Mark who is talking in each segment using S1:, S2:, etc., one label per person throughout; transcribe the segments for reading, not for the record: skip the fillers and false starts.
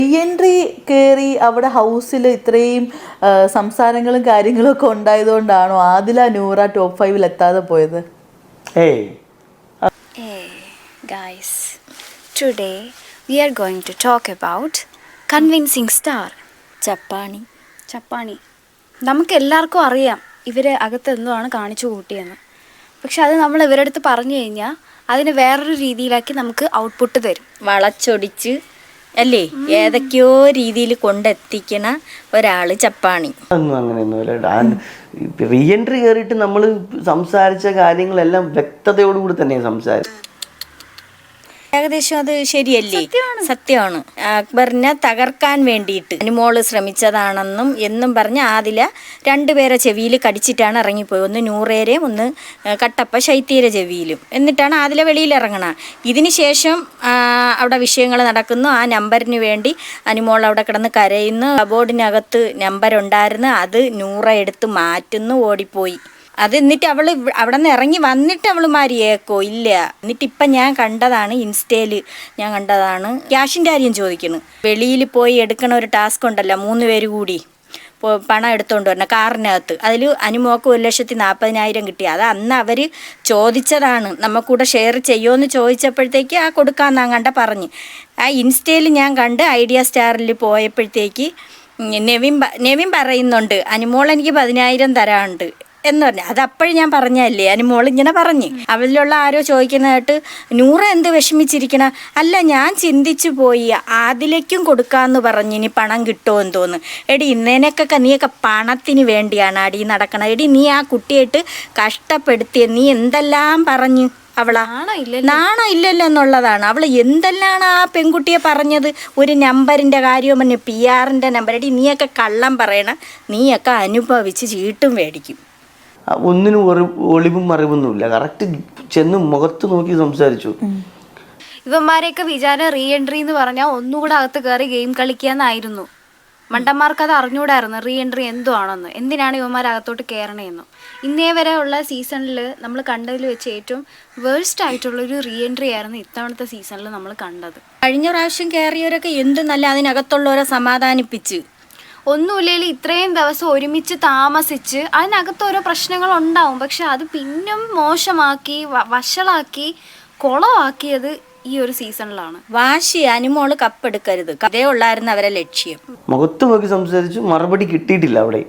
S1: Entry കയറി അവിടെ ഹൗസിൽ ഇത്രയും സംസാരങ്ങളും കാര്യങ്ങളും ഒക്കെ ഉണ്ടായതുകൊണ്ടാണോ ആദില നൂറ ടോപ്പ് 5 എത്താതെ പോയത്?
S2: Hey
S3: guys, today we are going to talk about convincing star ചപ്പാണി. നമുക്ക് എല്ലാവർക്കും അറിയാം ഇവരെ അകത്ത് എന്തുവാണ് കാണിച്ചു കൂട്ടിയെന്ന്. പക്ഷെ അത് നമ്മൾ ഇവരുടെ അടുത്ത് പറഞ്ഞു കഴിഞ്ഞാൽ അതിന് വേറൊരു രീതിയിലാക്കി നമുക്ക് ഔട്ട്പുട്ട് തരും.
S4: വളച്ചൊടിച്ച് അല്ലേ ഏതൊക്കെയോ രീതിയിൽ കൊണ്ടെത്തിക്കണ ഒരാള് ചപ്പാണി.
S2: ഒന്നും അങ്ങനെയൊന്നുമില്ല. റീ എൻട്രി കയറിയിട്ട് നമ്മൾ സംസാരിച്ച കാര്യങ്ങളെല്ലാം വ്യക്തതയോടുകൂടി തന്നെയാണ് സംസാരിച്ചത്.
S4: ഏകദേശം അത് ശരിയല്ലേ? സത്യമാണ്. അക്ബറിനെ തകർക്കാൻ വേണ്ടിയിട്ട് അനുമോള് ശ്രമിച്ചതാണെന്നും എന്നും പറഞ്ഞ് ആദില രണ്ടുപേരെ ചെവിയിൽ കടിച്ചിട്ടാണ് ഇറങ്ങിപ്പോയി. ഒന്ന് നൂറേരെയും ഒന്ന് കട്ടപ്പ ശൈത്യയുടെ ചെവിയിലും. എന്നിട്ടാണ് ആദില വെളിയിൽ ഇറങ്ങണം. ഇതിന് ശേഷം അവിടെ വിഷയങ്ങൾ നടക്കുന്നു. ആ നമ്പറിന് വേണ്ടി അനുമോൾ അവിടെ കിടന്ന് കരയുന്നു. കബോർഡിനകത്ത് നമ്പർ ഉണ്ടായിരുന്നു, അത് നൂറ എടുത്ത് മാറ്റുന്നു, ഓടിപ്പോയി. അത് എന്നിട്ട് അവള് അവിടെ നിന്ന് ഇറങ്ങി വന്നിട്ട് അവള് മാറിയേക്കോ ഇല്ല. എന്നിട്ട് ഇപ്പം ഞാൻ കണ്ടതാണ്, ഇൻസ്റ്റയിൽ ഞാൻ കണ്ടതാണ്, ക്യാഷിൻ്റെ കാര്യം ചോദിക്കുന്നു. വെളിയിൽ പോയി എടുക്കണ ഒരു ടാസ്ക് ഉണ്ടല്ലോ, 3 പേര് കൂടി പണം എടുത്തുകൊണ്ട് വരണം കാറിനകത്ത്. അതിൽ അനുമോക്ക് 1,40,000 കിട്ടി. അത് അന്ന് അവർ ചോദിച്ചതാണ്, നമ്മക്കൂടെ ഷെയർ ചെയ്യുമോയെന്ന് ചോദിച്ചപ്പോഴത്തേക്ക് ആ കൊടുക്കാമെന്നാ കണ്ട പറഞ്ഞ്. ആ ഇൻസ്റ്റയിൽ ഞാൻ കണ്ട് ഐഡിയ സ്റ്റാറിൽ പോയപ്പോഴത്തേക്ക് നെവിൻ പറയുന്നുണ്ട് അനുമോൾ എനിക്ക് 10,000 തരാനുണ്ട് എന്ന് പറഞ്ഞു. അത് അപ്പോഴും ഞാൻ പറഞ്ഞല്ലേ, അനുമോൾ ഇങ്ങനെ പറഞ്ഞ്. അവരിലുള്ള ആരോ ചോദിക്കുന്നതായിട്ട് നൂറ എന്ത് വിഷമിച്ചിരിക്കണ? അല്ല, ഞാൻ ചിന്തിച്ചു പോയി ആദിലേക്കും കൊടുക്കാമെന്ന് പറഞ്ഞ് ഇനി പണം കിട്ടുമോ എന്ന് തോന്നുന്നു. എടി നിനക്കൊക്കെ നീയൊക്കെ പണത്തിന് വേണ്ടിയാണ് അടി നടക്കണം. എടി നീ ആ കുട്ടിയായിട്ട് കഷ്ടപ്പെടുത്തിയ നീ എന്തെല്ലാം പറഞ്ഞു അവളാ നാണോ ഇല്ലല്ലോ എന്നുള്ളതാണ്. അവൾ എന്തെല്ലാം ആ പെൺകുട്ടിയെ പറഞ്ഞത്. ഒരു നമ്പറിൻ്റെ കാര്യം പറഞ്ഞു, PR-ൻ്റെ നമ്പർ. എടി നീയൊക്കെ കള്ളം പറയണം, നീയൊക്കെ അനുഭവിച്ച് ചീട്ടും മേടിക്കും.
S2: ഒന്നിനും ഒളിവും മറിവൊന്നുമില്ല. കറക്റ്റ് ചെന്ന് മുഖത്ത് നോക്കി സംസാരിച്ചു.
S3: ഇവന്മാരെയൊക്കെ വിചാരം റീ എൻട്രി എന്ന് പറഞ്ഞാൽ ഒന്നുകൂടെ അകത്ത് കയറി ഗെയിം കളിക്കാന്നായിരുന്നു. മണ്ടന്മാർക്ക് അത് അറിഞ്ഞൂടായിരുന്നു റീ എൻട്രി എന്തോ ആണെന്ന്. എന്തിനാണ് ഇവന്മാർ അകത്തോട്ട് കയറണേന്ന്. ഇന്നേ വരെ ഉള്ള സീസണിൽ നമ്മൾ കണ്ടതിൽ വെച്ച് ഏറ്റവും വേഴ്സ്റ്റ് ആയിട്ടുള്ളൊരു റീ എൻട്രി ആയിരുന്നു ഇത്തവണത്തെ സീസണിൽ നമ്മൾ കണ്ടത്.
S4: കഴിഞ്ഞ പ്രാവശ്യം കയറിയവരൊക്കെ എന്ത് നല്ല അതിനകത്തുള്ളവരെ സമാധാനിപ്പിച്ച്.
S3: ഒന്നുമില്ലെങ്കിൽ ഇത്രയും ദിവസം ഒരുമിച്ച് താമസിച്ച് അതിനകത്ത് ഓരോ പ്രശ്നങ്ങൾ ഉണ്ടാവും. പക്ഷെ അത് പിന്നും മോശമാക്കി വഷളാക്കി കുളമാക്കിയത് ഈ ഒരു സീസണിലാണ്.
S4: വാശി, അനുമോള് കപ്പെടുക്കരുത്, അതേ ഉള്ളായിരുന്നു അവരെ ലക്ഷ്യം.
S2: മുഖത്ത് നോക്കി സംസാരിച്ചു, മറുപടി കിട്ടിയിട്ടില്ല. അവിടെ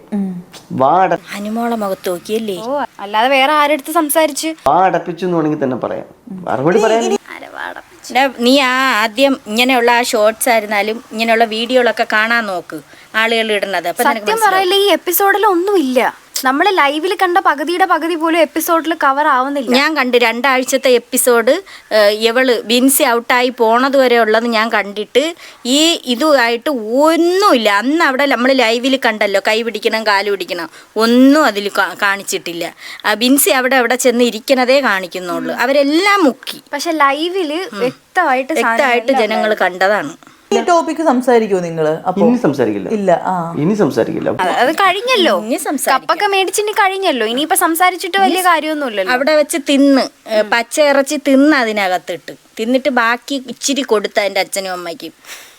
S4: അനുമോളെ മുഖത്ത് നോക്കിയല്ലേ,
S3: അല്ലാതെ വേറെ ആരെടുത്ത് സംസാരിച്ച്
S2: അടപ്പിച്ചു എന്ന് വേണമെങ്കിൽ തന്നെ പറയാം. മറുപടി പറയാൻ
S4: നീ ആദ്യം ഇങ്ങനെയുള്ള ആ ഷോർട്സ് ആയിരുന്നാലും ഇങ്ങനെയുള്ള വീഡിയോകളൊക്കെ കാണാൻ നോക്ക്, ആളുകൾ ഇടുന്നത്.
S3: സത്യം പറയില്ല, ഈ എപ്പിസോഡിൽ ഒന്നുമില്ല. നമ്മൾ ലൈവിൽ കണ്ട പകുതിയുടെ പകുതി പോലും എപ്പിസോഡിൽ കവർ ആവുന്നില്ല.
S4: ഞാൻ കണ്ട് 2 ആഴ്ചത്തെ എപ്പിസോഡ് ഇവള് ബിൻസി ഔട്ടായി പോണത് വരെ ഉള്ളത് ഞാൻ കണ്ടിട്ട് ഇതുമായിട്ട് ഒന്നുമില്ല. അന്ന് അവിടെ നമ്മൾ ലൈവിൽ കണ്ടല്ലോ, കൈ പിടിക്കണം കാല് പിടിക്കണം, ഒന്നും അതിൽ കാണിച്ചിട്ടില്ല. ബിൻസി അവിടെ ചെന്ന് ഇരിക്കണതേ കാണിക്കുന്നുള്ളൂ. അവരെല്ലാം മുക്കി.
S3: പക്ഷെ ലൈവില് വ്യക്തമായിട്ട്
S4: ജനങ്ങൾ കണ്ടതാണ്.
S1: ഈ ടോപ്പിക്ക് സംസാരിക്കുമോ നിങ്ങള്?
S2: ഇനി സംസാരിക്കില്ല.
S1: ഇല്ല,
S2: ഇനി സംസാരിക്കില്ല.
S3: അത് കഴിഞ്ഞല്ലോ, കപ്പൊക്കെ മേടിച്ചിട്ട് കഴിഞ്ഞല്ലോ. ഇനിയിപ്പൊ സംസാരിച്ചിട്ട് വലിയ കാര്യമൊന്നുമില്ലല്ലോ.
S4: അവിടെ വെച്ച് പച്ച ഇറച്ചി അതിനകത്തിട്ട് തിന്നിട്ട് ബാക്കി ഇച്ചിരി കൊടുത്ത എൻ്റെ അച്ഛനും അമ്മയ്ക്കും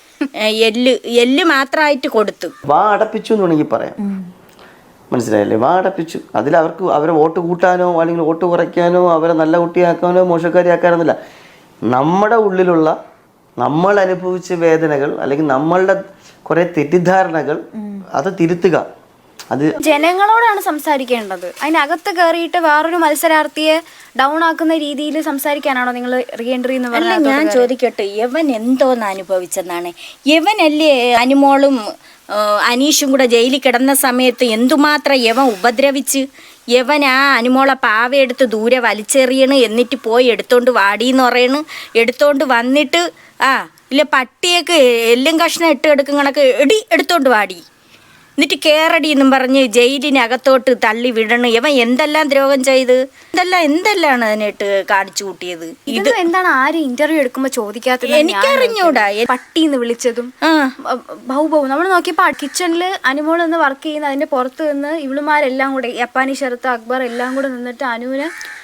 S4: എല്ല് മാത്രമായിട്ട് കൊടുത്തു.
S2: അടപ്പിച്ചു എന്ന് വേണമെങ്കിൽ പറയാം. മനസ്സിലായല്ലേ? അടപ്പിച്ചു. അതിൽ അവരെ വോട്ട് കൂട്ടാനോ അല്ലെങ്കിൽ വോട്ട് കുറയ്ക്കാനോ അവരെ നല്ല കുട്ടിയാക്കാനോ മോശക്കാരിയാക്കാനൊന്നുമില്ല. നമ്മുടെ ഉള്ളിലുള്ള നമ്മൾ അനുഭവിച്ച വേദനകൾ അല്ലെങ്കിൽ നമ്മളുടെ കുറെ തെറ്റിദ്ധാരണകൾ അത് തിരുത്തുക. അത്
S3: ജനങ്ങളോടാണ് സംസാരിക്കേണ്ടത്. അതിനകത്ത് കയറിയിട്ട് വേറൊരു മത്സരാർത്ഥിയെ ഡൗൺ ആക്കുന്ന രീതിയിൽ സംസാരിക്കാനാണോ നിങ്ങൾ റീ എൻട്രി എന്ന് പറഞ്ഞാൽ?
S4: ഞാൻ ചോദിക്കട്ടെ, യവൻ എന്തോന്ന് അനുഭവിച്ചെന്നാണ്? യവനല്ലേ അനുമോളും അനീഷും കൂടെ ജയിലിൽ കിടന്ന സമയത്ത് എന്തുമാത്രം യവൻ ഉപദ്രവിച്ച്. യവൻ ആ അനുമോളെ പാവയെടുത്ത് ദൂരെ വലിച്ചെറിയണ്, എന്നിട്ട് പോയി എടുത്തോണ്ട് വാടിയെന്ന് പറയണ്. എടുത്തോണ്ട് വന്നിട്ട് ഇല്ല പട്ടിയൊക്കെ എല്ലും കഷ്ണം എടുക്കും കണക്ക് എടുത്തോണ്ട് വാടി, എന്നിട്ട് കേറടി എന്നും പറഞ്ഞ് ജയിലിനകത്തോട്ട് തള്ളി വിടണ്. ഇവൻ എന്തെല്ലാം ദ്രോഹം ചെയ്ത് എന്തെല്ലാണ് അതിനായിട്ട് കാണിച്ചു കൂട്ടിയത്.
S3: ഇത് എന്താണ് ആരും ഇന്റർവ്യൂ എടുക്കുമ്പോ ചോദിക്കാത്തത്?
S4: എനിക്കറിഞ്ഞൂടാ.
S3: പട്ടിന്ന് വിളിച്ചതും ബഹു നമ്മൾ നോക്കിയപ്പോ കിച്ചണില് അനുമോൾ നിന്ന് വർക്ക് ചെയ്യുന്ന അതിന്റെ പുറത്ത് നിന്ന് ഇവളുമാരെല്ലാം കൂടെ, യപ്പാനി ഷെറത്ത്, അക്ബർ എല്ലാം കൂടെ നിന്നിട്ട് അനുവിനെ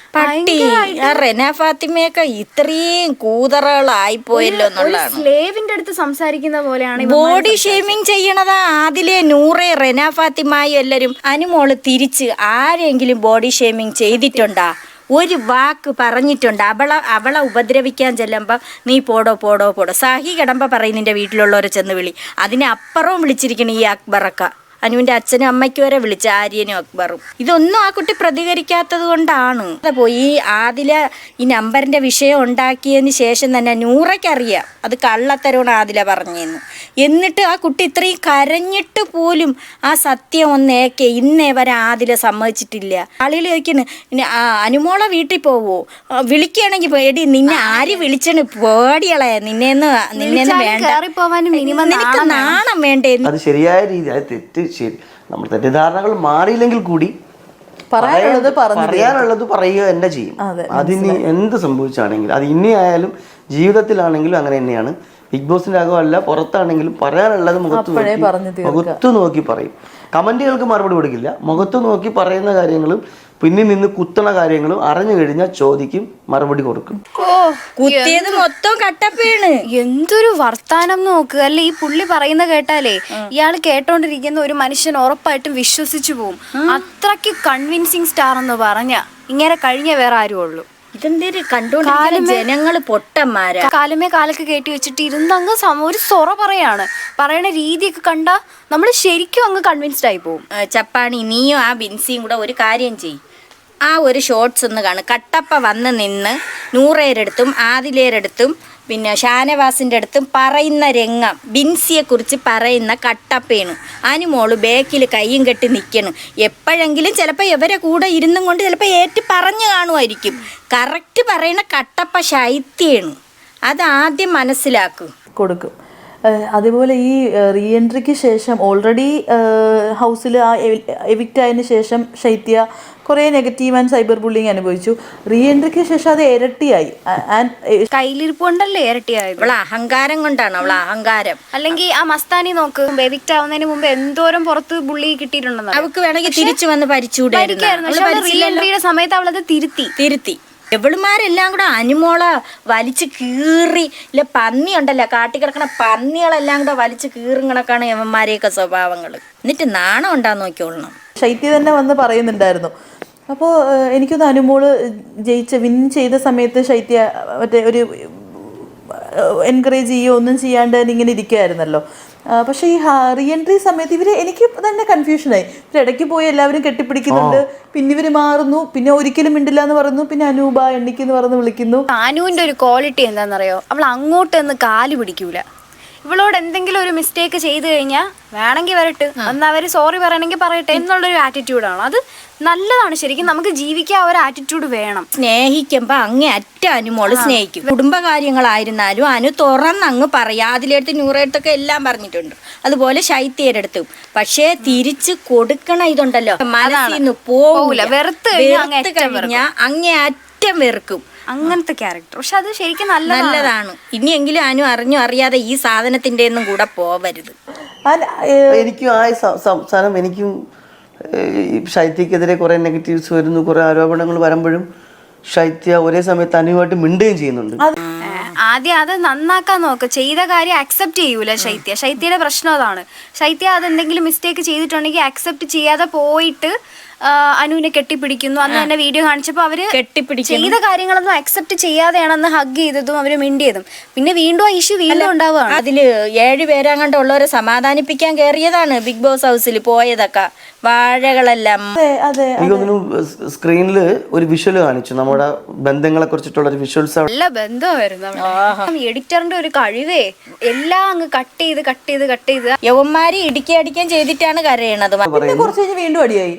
S4: പട്ടി റെന ഫാത്തിമയൊക്കെ ഇത്രയും കൂതറകളായിപ്പോയല്ലോ എന്നുള്ളതാണ്.
S3: സ്ലേവിന്റെ അടുത്ത് സംസാരിക്കുന്ന പോലെയാണ്
S4: ബോഡി ഷേമിങ് ചെയ്യണതാ ആദിലെ, നൂറെ, റെന ഫാത്തിമായി എല്ലാരും. അനുമോള് തിരിച്ച് ആരെങ്കിലും ബോഡി ഷേമിങ് ചെയ്തിട്ടുണ്ടാ? ഒരു വാക്ക് പറഞ്ഞിട്ടുണ്ട്? അവളെ ഉപദ്രവിക്കാൻ ചെല്ലുമ്പോൾ നീ പോടോ പോടോ പോടോ, സാഹി കിടമ്പ പറയും നിന്റെ വീട്ടിലുള്ളവരെ ചെന്ന് വിളി. അതിനപ്പുറവും വിളിച്ചിരിക്കണം ഈ അക്ബറൊക്കെ. അനുവിൻ്റെ അച്ഛനും അമ്മയ്ക്കും വരെ വിളിച്ച, ആര്യനും അക്ബറും. ഇതൊന്നും ആ കുട്ടി പ്രതികരിക്കാത്തത് കൊണ്ടാണ്. പോയി ആദില ഈ നമ്പറിൻ്റെ വിഷയം ഉണ്ടാക്കിയതിന് ശേഷം തന്നെ നൂറയ്ക്കറിയാം അത് കള്ളത്തരമാണ് ആദില പറഞ്ഞതെന്ന്. എന്നിട്ട് ആ കുട്ടി ഇത്രയും കരഞ്ഞിട്ട് പോലും ആ സത്യം ഒന്നേക്കെ ഇന്നേ വരെ ആദില സമ്മതിച്ചിട്ടില്ല. ആളുകൾ ചോദിക്കുന്നു അനുമോളെ വീട്ടിൽ പോവോ, വിളിക്കുകയാണെങ്കിൽ എടി നിന്നെ ആര് വിളിച്ചണ്, പേടിയളെ നിന്നേന്ന് വേണ്ട, നിനക്ക് നാണം വേണ്ടേ?
S2: അത് ശരിയായ രീതി, അത് തെറ്റ് ശരി, നമ്മൾ തെറ്റിദ്ധാരണകൾ മാറിയില്ലെങ്കിൽ കൂടി പറയാനുള്ളത് പറയുക തന്നെ ചെയ്യും. അതിന് എന്ത് സംഭവിച്ചാണെങ്കിലും, അത് ഇനി ആയാലും ജീവിതത്തിലാണെങ്കിലും അങ്ങനെ തന്നെയാണ്. ബിഗ് ബോസിന്റെ അകമല്ല, പുറത്താണെങ്കിലും പറയാനുള്ളത് മുഖത്ത് നോക്കി പറയും. കമന്റുകൾക്ക് മറുപടി കൊടുക്കില്ല, മുഖത്ത് നോക്കി പറയുന്ന കാര്യങ്ങളും പിന്നിൽ നിന്ന് കുത്തണ കാര്യങ്ങളും അറിഞ്ഞു കഴിഞ്ഞാൽ ചോദിക്കും, മറുപടി കൊടുക്കും.
S4: കുത്തിയത് മൊത്തം കട്ടപ്പയാണ്.
S3: എന്തൊരു വർത്താനം നോക്ക് അല്ലെ ഈ പുള്ളി പറയുന്ന കേട്ടാലേ ഇയാൾ കേട്ടോണ്ടിരിക്കുന്ന ഒരു മനുഷ്യൻ ഉറപ്പായിട്ടും വിശ്വസിച്ചു പോവും. അത്രയ്ക്ക് കൺവിൻസിങ് സ്റ്റാർ എന്ന് പറഞ്ഞ ഇങ്ങനെ കഴിഞ്ഞ വേറെ ആരും ഉള്ളൂ.
S4: ഇതെന്തേര് കണ്ടോണ്ടിരിക്കുന്ന ജനങ്ങള് പൊട്ടന്മാരാ.
S3: കാലുമേ കാലൊക്കെ കയറ്റി വെച്ചിട്ട് ഇരുന്നങ്ങ് ഒരു സൊറ പറയണ രീതിയൊക്കെ കണ്ടാ നമ്മള് ശരിക്കും അങ്ങ് കൺവിൻസ്ഡ് ആയി പോവും.
S4: ചപ്പാണി, നീയും ആ ബിൻസിയും കൂടെ ഒരു കാര്യം ചെയ്യും. ആ ഒരു ഷോർട്സ് ഒന്ന് കാണും. കട്ടപ്പ വന്ന് നിന്ന് നൂറേരടുത്തും ആദിലേരടുത്തും പിന്നെ ഷാനവാസിൻ്റെ അടുത്തും പറയുന്ന രംഗം, ബിൻസിയെക്കുറിച്ച് പറയുന്ന കട്ടപ്പയാണ്. അനുമോള് ബേക്കിൽ കയ്യും കെട്ടി നിൽക്കണം. എപ്പോഴെങ്കിലും ചിലപ്പോൾ ഇവരെ കൂടെ ഇരുന്നും കൊണ്ട് ചിലപ്പോൾ ഏറ്റ് പറഞ്ഞു കാണുമായിരിക്കും. കറക്റ്റ് പറയുന്ന കട്ടപ്പ ശൈത്യാണ്. അതാദ്യം മനസ്സിലാക്കും,
S1: കൊടുക്കും. അതുപോലെ ഈ റീ എൻട്രിക്ക് ശേഷം ഓൾറെഡി ഹൗസിൽ ആ എവിക്റ്റ് ആയതിനു ശേഷം ശൈത്യ കുറേ നെഗറ്റീവ് ആൻഡ് സൈബർ ബുള്ളിങ് അനുഭവിച്ചു. റീ എൻട്രിക്ക് ശേഷം അത് ഇരട്ടിയായി.
S3: കയ്യിലിരിപ്പ് കൊണ്ടല്ലേ ഇരട്ടിയായത്?
S4: അവളെ അഹങ്കാരം കൊണ്ടാണ്, അവളെ അഹങ്കാരം.
S3: അല്ലെങ്കിൽ ആ മസ്താനി നോക്ക്, എവിക്റ്റ് ആവുന്നതിന് മുമ്പ് എന്തോരം പുറത്ത് ബുള്ളി കിട്ടിയിട്ടുണ്ടെന്ന്.
S4: അവൾക്ക് വേണമെങ്കിൽ തിരിച്ചു വന്ന് ഭരിച്ചുകൂടായിരുന്നു.
S3: റീ എൻട്രിയുടെ സമയത്ത് അവളത് തിരുത്തി.
S4: എവളുമാരെല്ലാം കൂടെ അനുമോള വലിച്ചു കീറി, ഇല്ല പന്നി ഉണ്ടല്ലോ കാട്ടിക്കിടക്കണ പന്നികളെല്ലാം കൂടെ വലിച്ചു കീറുങ്ങണക്കാണ് യവന്മാരെയൊക്കെ സ്വഭാവങ്ങൾ. എന്നിട്ട് നാണം ഉണ്ടാന്ന് നോക്കിക്കൊള്ളണം.
S1: ശൈത്യ തന്നെ വന്ന് പറയുന്നുണ്ടായിരുന്നു. അപ്പോൾ എനിക്കൊന്ന് അനുമോള് വിൻ ചെയ്ത സമയത്ത് ശൈത്യ മറ്റേ ഒരു എൻകറേജ് ചെയ്യുകയോ ഒന്നും ചെയ്യാണ്ട് ഇങ്ങനെ ഇരിക്കുകയായിരുന്നല്ലോ. പക്ഷെ ഈ റീ എൻട്രി സമയത്ത് എനിക്ക് തന്നെ കൺഫ്യൂഷനായി. ഇടയ്ക്ക് പോയി എല്ലാവരും കെട്ടിപ്പിടിക്കുന്നുണ്ട്, പിന്നെ ഇവര് മാറുന്നു, പിന്നെ ഒരിക്കലും മിണ്ടില്ല എന്ന് പറയുന്നു, പിന്നെ അനൂപ എണ്ണിക്കെന്ന് പറഞ്ഞ് വിളിക്കുന്നു.
S3: അനുവിന്റെ ഒരു ക്വാളിറ്റി എന്താണെന്നറിയോ, അവൾ അങ്ങോട്ടൊന്ന് കാല് പിടിക്കൂല. ഇവളോട് എന്തെങ്കിലും ഒരു മിസ്റ്റേക്ക് ചെയ്തു കഴിഞ്ഞാൽ വേണമെങ്കിൽ വരട്ടെ, അന്ന് അവർ സോറി പറയണമെങ്കിൽ പറയട്ടെ എന്നുള്ളൊരു ആറ്റിറ്റ്യൂഡാണ്. അത് നല്ലതാണ്. ശരിക്കും നമുക്ക് ജീവിക്കാൻ ഒരു ആറ്റിറ്റ്യൂഡ് വേണം.
S4: സ്നേഹിക്കുമ്പോൾ അങ്ങേ അറ്റ അനുമോള് സ്നേഹിക്കും. കുടുംബകാര്യങ്ങളായിരുന്നാലും അനു തുറന്നങ്ങ് പറയാ. അതിലെടുത്ത് നൂറെടുത്തൊക്കെ എല്ലാം പറഞ്ഞിട്ടുണ്ട്, അതുപോലെ ശൈത്യരെടുത്തും. പക്ഷേ തിരിച്ച് കൊടുക്കണ ഇതുണ്ടല്ലോ, മനസ്സിൽ നിന്ന് പോകൂല. വെറുത്ത് കഴിഞ്ഞാൽ അങ്ങേ അറ്റം വെറുക്കും.
S3: അങ്ങനത്തെ ക്യാരക്ടർ. പക്ഷെ അത് ശരിക്കും നല്ലതാണ്.
S4: ഇനിയെങ്കിലും അനു അറിഞ്ഞു അറിയാതെ ഈ സാധനത്തിന്റെ ഒന്നും കൂടെ പോവരുത്.
S2: എനിക്കും ആ സാധനം, എനിക്കും ശൈത്യക്കെതിരെ കുറെ നെഗറ്റീവ്സ് വരുന്നു, കുറെ ആരോപണങ്ങൾ വരുമ്പോഴും ശൈത്യ ഒരേ സമയത്ത് അനുവായിട്ട് മിണ്ടുകയും ചെയ്യുന്നുണ്ട്.
S3: ആദ്യം അത് നന്നാക്കാൻ നോക്ക്. ചെയ്ത കാര്യം അക്സെപ്റ്റ് ചെയ്യൂല ശൈത്യയുടെ പ്രശ്നം അതാണ്. ശൈത്യ അതെന്തെങ്കിലും മിസ്റ്റേക്ക് ചെയ്തിട്ടുണ്ടെങ്കിൽ അക്സെപ്റ്റ് ചെയ്യാതെ പോയിട്ട് അനുവിനെ കെട്ടിപ്പിടിക്കുന്നു. അന്ന് തന്നെ വീഡിയോ കാണിച്ചപ്പോൾ അവര് ചെയ്ത കാര്യങ്ങളൊന്നും അക്സെപ്റ്റ് ചെയ്യാതെയാണെന്ന് ഹഗ് ചെയ്തതും അവര് മിണ്ടിയതും. പിന്നെ വീണ്ടും ആ ഇഷ്യൂ വീണ്ടും ഉണ്ടാവുകയാണ്.
S4: അതില് 7 പേരങ്ങാണ്ട് ഉള്ളവരെ സമാധാനിപ്പിക്കാൻ കയറിയതാണ് ബിഗ് ബോസ് ഹൗസിൽ പോയതൊക്കെ. വാഴകളെല്ലാം
S2: എനിക്ക് തോന്നുന്നു സ്ക്രീനിൽ ഒരു വിഷ്വൽ കാണിച്ചു, നമ്മുടെ ബന്ധങ്ങളെ കുറിച്ചിട്ടുള്ള ഒരു വിഷ്വൽസ്.
S3: നല്ല ബന്ധമായിരുന്നു. എഡിറ്ററിന്റെ ഒരു കഴിവേ, എല്ലാം അങ്ങ് കട്ട് ചെയ്ത്
S4: യവന്മാര് ഇടിക്കാൻ ചെയ്തിട്ടാണ് കരയണത്.
S1: കുറച്ച് കഴിഞ്ഞ് വീണ്ടും അടിയായി.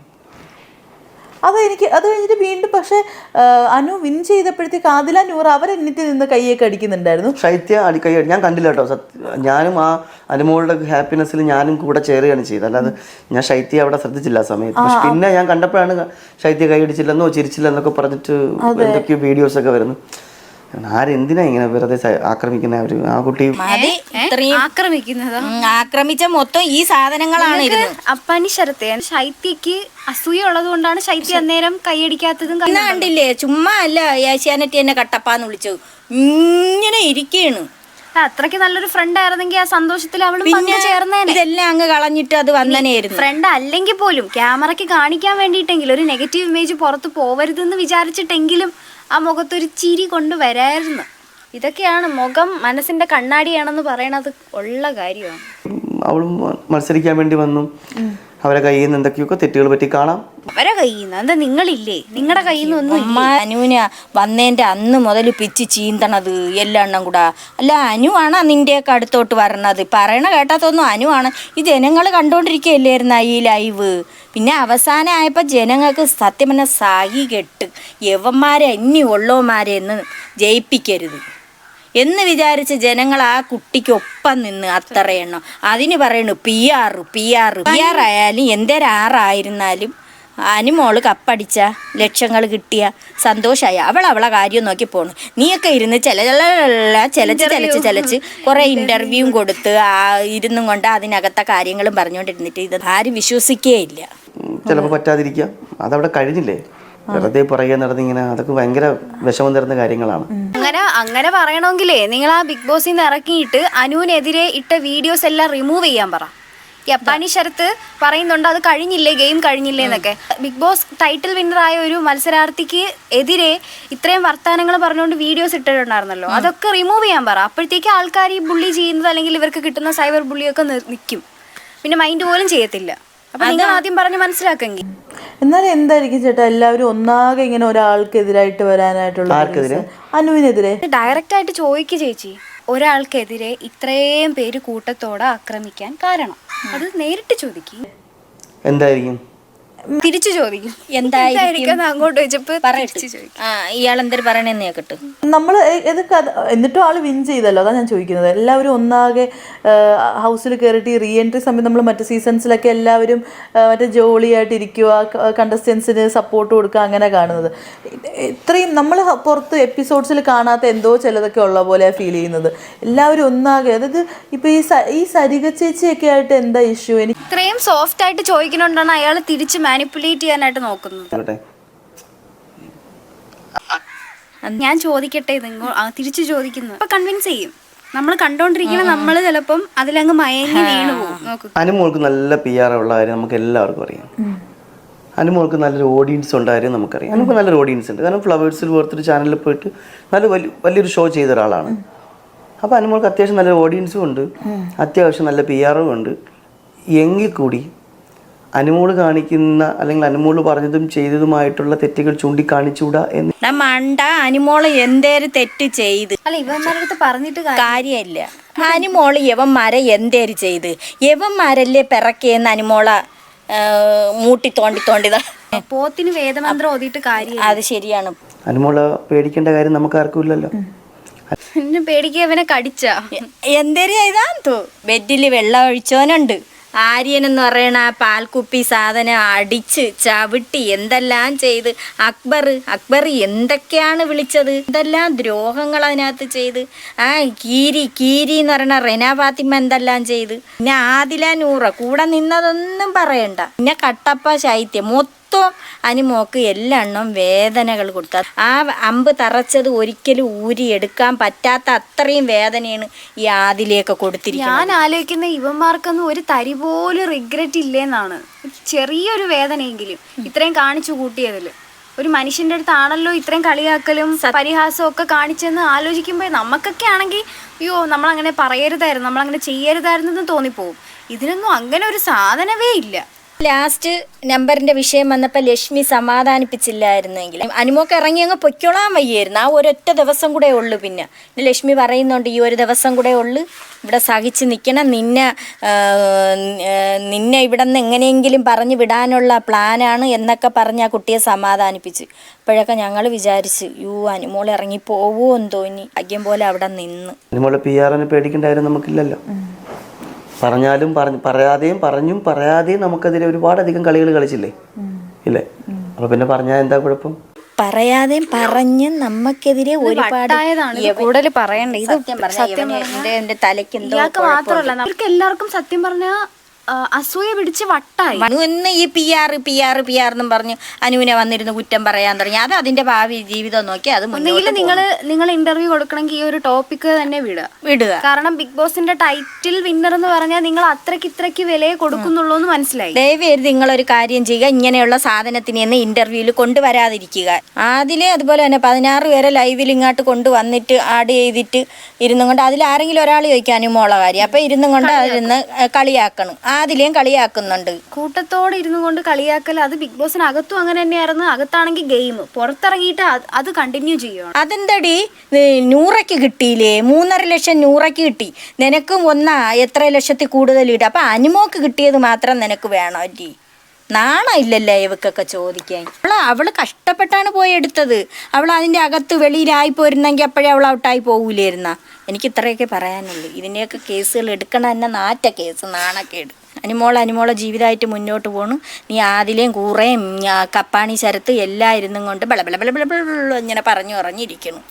S1: അത് കഴിഞ്ഞിട്ട് വീണ്ടും പക്ഷെ അനു വിൻ ചെയ്തപ്പോഴത്തേക്ക് ആദില നൂറ അവരെന്നിട്ട് നിന്ന് കൈയൊക്കെ അടിക്കുന്നുണ്ടായിരുന്നു.
S2: ശൈത്യ കൈ ഞാൻ കണ്ടില്ല കേട്ടോ. ഞാനും ആ അനുമോളുടെ ഹാപ്പിനെസ്സിൽ ഞാനും കൂടെ ചേരുകയാണ് ചെയ്തത്. അല്ലാതെ ഞാൻ ശൈത്യ അവിടെ ശ്രദ്ധിച്ചില്ല ആ സമയത്ത്. പക്ഷെ പിന്നെ ഞാൻ കണ്ടപ്പോഴാണ് ശൈത്യ കൈ അടിച്ചില്ലെന്നോ ചിരിച്ചില്ലെന്നൊക്കെ പറഞ്ഞിട്ട് എന്തൊക്കെയോ വീഡിയോസ് ഒക്കെ വരുന്നു. ആരെന്തിനാ ഇങ്ങനെ വെറുതെ ആക്രമിക്കുന്ന അവർ ആ കുട്ടി
S4: മതി ഇത്രയും
S3: ആക്രമിക്കുന്നതാ.
S4: ആക്രമിച്ച മൊത്തം ഈ സാധനങ്ങളാണ് ഇരുന്നത്.
S3: അപ്പാനി ശരത്തെ ശൈത്യക്ക് അസൂയ ഉള്ളത് കൊണ്ടാണ് ശൈത്യ അന്നേരം കൈയടിക്കാത്തതും.
S4: ഇന്ന് കണ്ടില്ലേ, ചുമ്മാ അല്ല ഏഷ്യാനെറ്റ് എന്നെ കട്ടപ്പാന്ന് വിളിച്ചു, ഇങ്ങനെ ഇരിക്കുകയാണ്.
S3: അത്രയ്ക്ക് നല്ലൊരു ഫ്രണ്ട് ആയിരുന്നെങ്കിൽ ആ സന്തോഷത്തിൽ അവളും ചേർന്നേനെ.
S4: ഇതെല്ലാം അങ്ങ് കളഞ്ഞിട്ട് അത് വന്നനെയായിരുന്നു.
S3: ഫ്രണ്ട് അല്ലെങ്കിൽ പോലും ക്യാമറയ്ക്ക് കാണിക്കാൻ വേണ്ടിയിട്ടെങ്കിലും ഒരു നെഗറ്റീവ് ഇമേജ് പുറത്ത് പോവരുതെന്ന് വിചാരിച്ചിട്ടെങ്കിലും ആ മുഖത്തൊരു ചിരി കൊണ്ടുവരായിരുന്നു. ഇതൊക്കെയാണ് മുഖം മനസ്സിന്റെ കണ്ണാടിയാണെന്ന് പറയണത് ഉള്ള കാര്യമാണ്.
S2: അവളും മത്സരിക്കാൻ വേണ്ടി വന്നു. അവരെ കയ്യിൽ നിന്ന് എന്തൊക്കെയൊക്കെ തെറ്റുകൾ പറ്റി കാണാം.
S3: അവരെ കയ്യിൽ നിന്ന് എന്താ നിങ്ങളില്ലേ? നിങ്ങളുടെ കയ്യിൽ നിന്ന് ഒന്നും
S4: അനുവിന വന്നേന്റെ അന്ന് മുതൽ പിച്ച് ചീന്തണത് എല്ലാം കൂടാ. അല്ല അനുവാണ് നിന്റെയൊക്കെ അടുത്തോട്ട് വരണത്. പറയണ കേട്ടാത്തൊന്നും അനുവാണ്. ഈ ജനങ്ങൾ കണ്ടോണ്ടിരിക്കുകയല്ലായിരുന്ന ഈ ലൈവ്. പിന്നെ അവസാനം ആയപ്പോൾ ജനങ്ങൾക്ക് സത്യം പറഞ്ഞ സായി കെട്ട് യവന്മാരെ ഇനി ഉള്ളവന്മാരെ എന്ന് ജയിപ്പിക്കരുത് എന്ന് വിചാരിച്ച് ജനങ്ങൾ ആ കുട്ടിക്കൊപ്പം നിന്ന് അത്ര എണ്ണം അതിന് പറയണു പി ആർ ആയാലും എന്തേരാറായിരുന്നാലും അനുമോള് കപ്പടിച്ച ലക്ഷങ്ങൾ കിട്ടിയ സന്തോഷമായി അവളെ കാര്യം നോക്കി പോണു. നീയൊക്കെ ഇരുന്ന് ചലച്ച് കുറെ ഇന്റർവ്യൂവും കൊടുത്ത് ഇരുന്നും കൊണ്ട് അതിനകത്തെ കാര്യങ്ങളും പറഞ്ഞുകൊണ്ടിരുന്നിട്ട് ഇത് ആരും വിശ്വസിക്കേയില്ല.
S2: ചിലപ്പോൾ പറ്റാതിരിക്കാം, അതവിടെ കഴിഞ്ഞില്ലേ. വെറുതെ പുറകെ നടന്നിങ്ങനെ അതൊക്കെ ഭയങ്കര വിഷമം തരുന്ന കാര്യങ്ങളാണ്.
S3: അങ്ങനെ പറയണമെങ്കിലേ നിങ്ങൾ ആ ബിഗ് ബോസിൽ നിന്ന് ഇറക്കിയിട്ട് അനുവിനെതിരെ ഇട്ട വീഡിയോസ് എല്ലാം റിമൂവ് ചെയ്യാൻ പറ. ഈ അപ്പാനി ശരത്ത് പറയുന്നുണ്ട് അത് കഴിഞ്ഞില്ലേ, ഗെയിം കഴിഞ്ഞില്ലേ എന്നൊക്കെ. ബിഗ് ബോസ് ടൈറ്റിൽ വിന്നർ ആയ ഒരു മത്സരാർത്ഥിക്ക് എതിരെ ഇത്രയും വർത്തമാനങ്ങൾ പറഞ്ഞുകൊണ്ട് വീഡിയോസ് ഇട്ടിട്ടുണ്ടായിരുന്നല്ലോ, അതൊക്കെ റിമൂവ് ചെയ്യാൻ പറ. അപ്പോഴത്തേക്ക് ആൾക്കാർ ഈ ബുള്ളി ചെയ്യുന്നത് അല്ലെങ്കിൽ ഇവർക്ക് കിട്ടുന്ന സൈബർ ബുള്ളിയൊക്കെ നിൽക്കും, പിന്നെ മൈൻഡ് പോലും ചെയ്യത്തില്ല. അപ്പൊ നിങ്ങൾ ആദ്യം പറഞ്ഞ് മനസ്സിലാക്കെങ്കിൽ.
S1: എന്നാലും എന്തായിരിക്കും ചേട്ടാ എല്ലാവരും ഒന്നാകെ ഇങ്ങനെ ഒരാൾക്കെതിരായിട്ട് വരാനായിട്ടുള്ള അനുവിനെതിരെ
S3: ഡയറക്റ്റ് ആയിട്ട് ചോദിക്കുക ചേച്ചി, ഒരാൾക്കെതിരെ ഇത്രയും പേര് കൂട്ടത്തോടെ ആക്രമിക്കാൻ കാരണം അത് നേരിട്ട് ചോദിക്കും.
S2: എന്തായിരിക്കും
S3: തിരിച്ചു ചോദിക്കും
S4: എന്തായിരിക്കും
S3: അങ്ങോട്ട് വെച്ചപ്പോ
S4: ഇയാളെന്തൊരു പറയണെന്ന് കേക്കട്ടെ.
S1: നമ്മള് എന്നിട്ടും ആള് വിൻ ചെയ്തല്ലോ, അതാ ഞാൻ ചോദിക്കുന്നത്. എല്ലാവരും ഒന്നാകെ ഹൗസിൽ കയറിയിട്ട് ഈ റീ എൻട്രി സമയം നമ്മൾ മറ്റു സീസൺസിലൊക്കെ എല്ലാവരും മറ്റേ ജോളിയായിട്ട് ഇരിക്കുക, കണ്ടസ്റ്റൻസിന് സപ്പോർട്ട് കൊടുക്കുക, അങ്ങനെ കാണുന്നത്. ഇത്രയും നമ്മൾ പുറത്ത് എപ്പിസോഡ്സിൽ കാണാത്ത എന്തോ ചിലതൊക്കെ ഉള്ള പോലെ ഫീൽ ചെയ്യുന്നത്. എല്ലാവരും ഒന്നാകെ, അതായത് ഇപ്പൊ ഈ സരിക ചേച്ചിയൊക്കെ ആയിട്ട് എന്താ ഇഷ്യൂ? എനിക്ക്
S3: ഇത്രയും സോഫ്റ്റ് ആയിട്ട് ചോദിക്കണോണ്ടാണ് അയാൾ തിരിച്ച് മാനിപ്പുലേറ്റ് ചെയ്യാനായിട്ട് നോക്കുന്നത്. ഞാൻ ചോദിക്കട്ടെ, തിരിച്ചു ചോദിക്കുന്നത് അപ്പൊ കൺവിൻസ് ചെയ്യും. നമ്മൾ കണ്ടോണ്ടിരിക്കണം, നമ്മള് ചിലപ്പം അതിലങ്ങ് മയങ്ങി വീണു പോകും.
S2: അനുമോൾക്ക് നല്ല PR ഉള്ള കാര്യം നമുക്ക് എല്ലാവർക്കും അറിയാം. അനുമോൾക്ക് നല്ലൊരു ഓഡിയൻസ് ഉണ്ടായിരുന്നു നമുക്കറിയാം. അനുമോൾക്ക് നല്ലൊരു ഓഡിയൻസ് ഉണ്ട്. കാരണം ഫ്ലവേഴ്സിൽ പോലത്തൊരു ചാനലിൽ പോയിട്ട് വലിയൊരു ഷോ ചെയ്ത ഒരാളാണ്. അപ്പോൾ അനുമോൾക്ക് അത്യാവശ്യം നല്ല ഓഡിയൻസും ഉണ്ട്, അത്യാവശ്യം നല്ല PR-ഉം ഉണ്ട്. എങ്കിൽ കൂടി അനുമോള് കാണിക്കുന്ന അല്ലെങ്കിൽ അനുമോള് പറഞ്ഞതും ചെയ്തതുമായിട്ടുള്ള തെറ്റുകൾ ചൂണ്ടിക്കാണിച്ചൂടാ എന്ന്
S4: മണ്ട. അനുമോള് എന്തേലും തെറ്റ് ചെയ്ത്
S3: അല്ല ഇവന്മാരുടെ അടുത്ത് പറഞ്ഞിട്ട്
S4: കാര്യമില്ല. അനുമോള് യവന്മാരെ എന്തേര് ചെയ്ത് യവന്മാരല്ലേ പിറക്കേന്ന് അനുമോള മൂട്ടി തോണ്ടിതാ.
S3: പോത്തിന് വേദമന്ത്രം ഓതിയിട്ട് കാര്യം.
S4: അത് ശരിയാണ്.
S2: അനുമോള് പേടിക്കേണ്ട കാര്യം നമുക്ക് ആർക്കും ഇല്ലല്ലോ.
S3: പേടിക്കുക അവനെ കടിച്ച
S4: എന്തേര് ചെയ്താ ബെഡില് വെള്ളം ഒഴിച്ചോനുണ്ട്. ആര്യൻ എന്ന് പറയണ ആ പാൽക്കുപ്പി സാധനം അടിച്ച് ചവിട്ടി എന്തെല്ലാം ചെയ്ത് അക്ബർ എന്തൊക്കെയാണ് വിളിച്ചത്, എന്തെല്ലാം ദ്രോഹങ്ങൾ അതിനകത്ത് ചെയ്ത്. കീരി എന്ന് പറയണ റെന ഫാത്തിമ എന്തെല്ലാം ചെയ്ത്. പിന്നെ ആദില നൂറ കൂടെ നിന്നതൊന്നും പറയണ്ട. പിന്നെ കട്ടപ്പ ശൈത്യം മൊത്തം അനുമോക്ക് എല്ലെണ്ണം വേദനകൾ കൊടുത്ത. ആ അമ്പ് തറച്ചത് ഒരിക്കലും ഊരിയെടുക്കാൻ പറ്റാത്ത അത്രയും വേദനയാണ് ഈ ആദിലേക്ക് കൊടുത്തിരിക്കുന്നത്.
S3: ഞാൻ ആലോചിക്കുന്ന ഇവന്മാർക്കൊന്നും ഒരു തരി പോലും റിഗ്രറ്റ് ഇല്ലേന്നാണ്. ചെറിയൊരു വേദനയെങ്കിലും ഇത്രയും കാണിച്ചു കൂട്ടിയതിൽ. ഒരു മനുഷ്യന്റെ അടുത്താണല്ലോ ഇത്രയും കളിയാക്കലും പരിഹാസവും ഒക്കെ കാണിച്ചെന്ന് ആലോചിക്കുമ്പോൾ നമുക്കൊക്കെ ആണെങ്കിൽ അയ്യോ നമ്മളങ്ങനെ പറയരുതായിരുന്നു, നമ്മളങ്ങനെ ചെയ്യരുതായിരുന്നെന്ന് തോന്നിപ്പോവും. ഇതിനൊന്നും അങ്ങനെ ഒരു സാധനമേ ഇല്ല.
S4: ലാസ്റ്റ് നമ്പറിന്റെ വിഷയം വന്നപ്പോൾ ലക്ഷ്മി സമാധാനിപ്പിച്ചില്ലായിരുന്നെങ്കിൽ അനുമോക്ക് ഇറങ്ങി അങ്ങ് പൊയ്ക്കോളാൻ വയ്യായിരുന്നു. ആ ഒരൊറ്റ ദിവസം കൂടെ ഉള്ളു. പിന്നെ ലക്ഷ്മി പറയുന്നുണ്ട് ഈ ഒരു ദിവസം കൂടെ ഉള്ളു, ഇവിടെ സഹിച്ച് നിൽക്കണം, നിന്നെ ഇവിടെ നിന്ന് എങ്ങനെയെങ്കിലും പറഞ്ഞു വിടാനുള്ള പ്ലാനാണ് എന്നൊക്കെ പറഞ്ഞ് ആ കുട്ടിയെ സമാധാനിപ്പിച്ച്. അപ്പോഴൊക്കെ ഞങ്ങൾ വിചാരിച്ച് അനുമോൾ ഇറങ്ങി പോവുമോ എന്ന് തോന്നി. ഭാഗ്യം പോലെ അവിടെ നിന്ന്.
S2: അനുമോളെ PR-നെ പേടിക്കേണ്ടായിരുന്നു നമുക്കില്ലല്ലോ. പറഞ്ഞാലും പറയാതെയും നമുക്കതിരെ ഒരുപാടധികം കളികൾ കളിച്ചില്ലേ ഇല്ലേ? അപ്പൊ പിന്നെ പറഞ്ഞാൽ എന്താ കുഴപ്പം?
S4: പറയാതെയും പറഞ്ഞ് നമുക്കെതിരെ ഒരുപാട്
S3: വട്ടായതാണ് ഇത് കൂടുതൽ പറയണ്ട. ഇത്
S4: സത്യം പറഞ്ഞ എന്റെ തലയ്ക്ക് എന്തോ
S3: ഇയാൾക്ക് മാത്രമല്ല അവർക്ക് എല്ലാവർക്കും സത്യം പറഞ്ഞ അസൂയ പിടിച്ച് വട്ടായി.
S4: അനു ഈ പി ആർ എന്നും പറഞ്ഞു അനുവിനെ വന്നിരുന്ന് കുറ്റം പറയാൻ തുടങ്ങി. അത് അതിന്റെ ഭാവി ജീവിതം നോക്കി അത്
S3: ഒന്നുകിൽ നിങ്ങൾ ഇന്റർവ്യൂ കൊടുക്കണമെങ്കിൽ ഈ ഒരു ടോപ്പിക്ക് തന്നെ വിടുക. കാരണം ബിഗ് ബോസിന്റെ ടൈറ്റിൽ വിന്നർ എന്ന് പറഞ്ഞാൽ നിങ്ങൾ ഇത്രയ്ക്ക് വിലയെ കൊടുക്കുന്നുള്ളൂ എന്ന് മനസ്സിലായി.
S4: ദയവേത് നിങ്ങളൊരു കാര്യം ചെയ്യുക, ഇങ്ങനെയുള്ള സാധനത്തിന് എന്ന് ഇന്റർവ്യൂവിൽ കൊണ്ടുവരാതിരിക്കുക. അതിലെ അതുപോലെ തന്നെ 16 പേരെ ലൈവിൽ ഇങ്ങോട്ട് കൊണ്ടുവന്നിട്ട് ആഡ് ചെയ്തിട്ട് ഇരുന്നും കൊണ്ട് അതിൽ ആരെങ്കിലും ഒരാൾ ചോദിക്കുക അനുമോള കാര്യം, അപ്പൊ ഇരുന്നും കൊണ്ട് അതിരുന്ന് കളിയാക്കണം. അതിലേയും കളിയാക്കുന്നുണ്ട്.
S3: കൂട്ടത്തോടെ ഇരുന്നു കൊണ്ട് കളിയാക്കൽ അത് ബിഗ് ബോസിനകത്തും അങ്ങനെ തന്നെയായിരുന്നു. അകത്താണെങ്കിൽ ഗെയിം, പുറത്തിറങ്ങിയിട്ട് അത് കണ്ടിന്യൂ ചെയ്യുകയാണ്.
S4: അതെന്തടി 100ക്ക് കിട്ടിയില്ലേ? 3.5 ലക്ഷം 100ക്ക് കിട്ടി. നിനക്കും എത്ര ലക്ഷത്തിൽ കൂടുതൽ കിട്ടി. അപ്പൊ അനുമോക്ക് കിട്ടിയത് മാത്രം നിനക്ക് വേണോ അല്ലേ? നാണം ഇല്ലല്ലേ ഇവക്കൊക്കെ ചോദിക്കാൻ? അവള് കഷ്ടപ്പെട്ടാണ് പോയി എടുത്തത്. അവൾ അതിൻ്റെ അകത്ത് വെളിയിലായി പോയിരുന്നെങ്കിൽ അപ്പോഴേ അവൾ ഔട്ടായി പോകൂലായിരുന്ന. എനിക്ക് ഇത്രയൊക്കെ പറയാനുള്ളൂ. ഇതിൻ്റെയൊക്കെ കേസുകൾ എടുക്കണ തന്നെ നാറ്റ കേസ്, നാണക്കേട്. അനുമോളെ ജീവിതമായിട്ട് മുന്നോട്ട് പോണു. നീ ആദിലേയും കൂറേയും കപ്പാണി ശരത്ത് എല്ലാം ഇരുന്നും കൊണ്ട് ബള ഇങ്ങനെ പറഞ്ഞിരിക്കുന്നു.